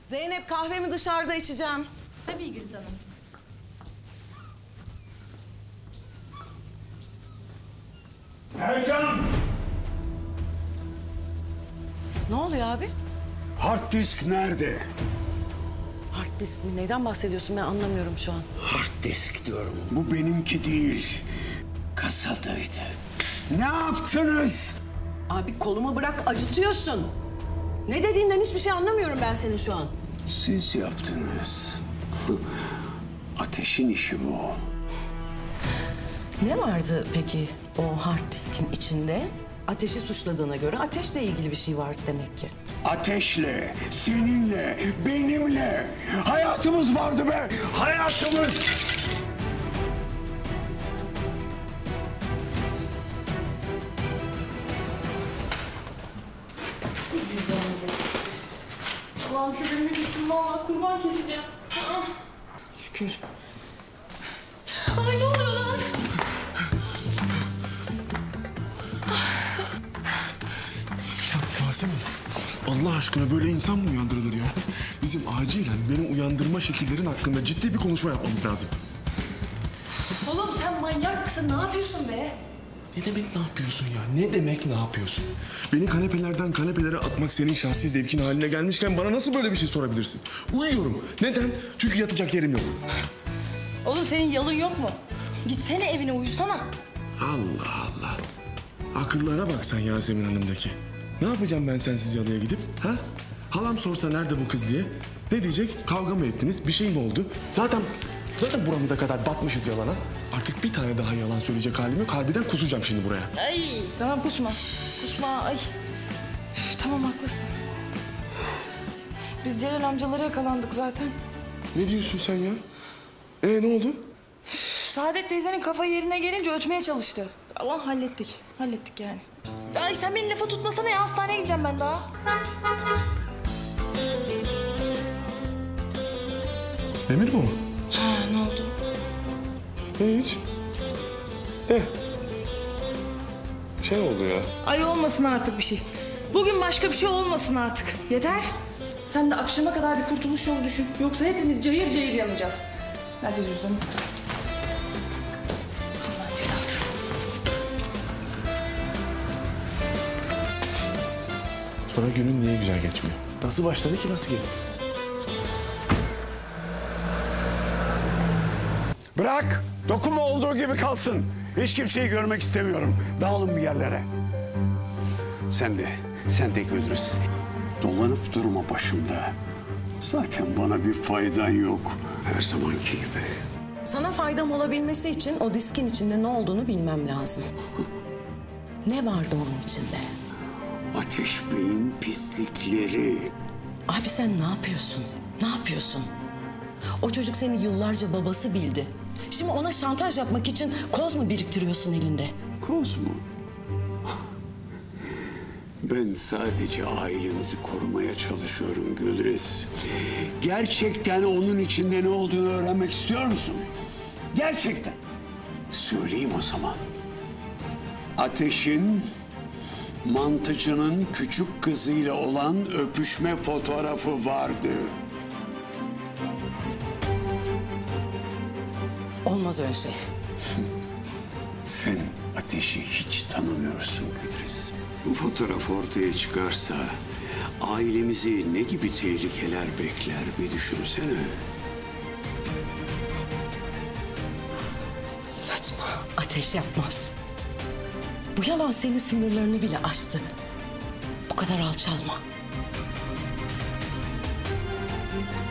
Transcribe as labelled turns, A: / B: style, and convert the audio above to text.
A: Zeynep kahvemi dışarıda içeceğim.
B: Tabii Gülüz Hanım.
C: Ercan!
A: Ne oluyor abi?
C: Hard disk nerede?
A: Hard disk mi? Neyden bahsediyorsun ben anlamıyorum şu an.
C: Hard disk diyorum. Bu benimki değil. Kasadaydı. Ne yaptınız?
A: Abi kolumu bırak acıtıyorsun. Ne dediğinden hiçbir şey anlamıyorum ben senin şu an.
C: Siz yaptınız. Ateşin işi bu.
A: Ne vardı peki o hard diskin içinde? Ateşi suçladığına göre ateşle ilgili bir şey var demek ki.
C: Ateşle, seninle, benimle hayatımız vardı be! Hayatımız!
B: Allah'ım şu benim gitsin valla kurban keseceğim.
A: Şükür. Ay ne oluyor lan?
D: Yasemin, Allah aşkına böyle insan mı uyandırılır ya? Bizim acilen beni uyandırma şekillerin hakkında ciddi bir konuşma yapmamız lazım.
B: Oğlum sen manyak mısın? Ne yapıyorsun be?
D: Ne demek ne yapıyorsun ya? Ne demek ne yapıyorsun? Beni kanepelerden kanepelere atmak senin şahsi zevkin haline gelmişken bana nasıl böyle bir şey sorabilirsin? Uyuyorum. Neden? Çünkü yatacak yerim yok.
B: Oğlum senin yalın yok mu? Gitsene evine uyusana.
D: Allah Allah. Akıllara bak sen Yasemin Hanım'daki. Ne yapacağım ben sensiz yalıya gidip? Ha? Halam sorsa nerede bu kız diye. Ne diyecek? Kavga mı ettiniz? Bir şey mi oldu? Zaten buramıza kadar batmışız yalana. Artık bir tane daha yalan söyleyecek halim yok. Harbiden kusacağım şimdi buraya.
B: Ay tamam kusma. Kusma ay. Üf, tamam haklısın. Biz Celal amcalara yakalandık zaten.
D: Ne diyorsun sen ya? Ne oldu?
B: Saadet teyzenin kafa yerine gelince ötmeye çalıştı. Ama hallettik. Hallettik yani. Ay sen beni lafa tutmasana ya. Hastaneye gideceğim ben daha.
D: Demir bu mu?
B: Ha ne oldu?
D: Hiç. Şey oldu ya.
B: Ay olmasın artık bir şey. Bugün başka bir şey olmasın artık. Yeter. Sen de akşama kadar bir kurtuluş yolu düşün. Yoksa hepimiz cayır cayır yanacağız. Nerede cüzdanım? Allah'ın cezası.
D: Sonra günün niye güzel geçmiyor? Nasıl başladı ki nasıl geçsin?
C: Bırak! Dokunma olduğu gibi kalsın. Hiç kimseyi görmek istemiyorum. Dağılın bir yerlere. Sen de Gülriz. Dolanıp durma başımda. Zaten bana bir faydan yok. Her zamanki gibi.
A: Sana faydam olabilmesi için o diskin içinde ne olduğunu bilmem lazım. Ne vardı onun içinde?
C: Ateş Bey'in pislikleri.
A: Abi sen ne yapıyorsun? Ne yapıyorsun? O çocuk seni yıllarca babası bildi. Şimdi ona şantaj yapmak için koz mu biriktiriyorsun elinde?
C: Koz mu? Ben sadece ailemizi korumaya çalışıyorum Gülriz. Gerçekten onun içinde ne olduğunu öğrenmek istiyor musun? Gerçekten. Söyleyeyim o zaman. Ateş'in mantıcının küçük kızıyla olan öpüşme fotoğrafı vardı.
A: Olmaz öyle şey.
C: Sen Ateş'i hiç tanımıyorsun Gülriz. Bu fotoğraf ortaya çıkarsa ailemizi ne gibi tehlikeler bekler bir düşünsene.
A: Saçma. Ateş yapmaz. Bu yalan senin sınırlarını bile aştı. Bu kadar alçalma.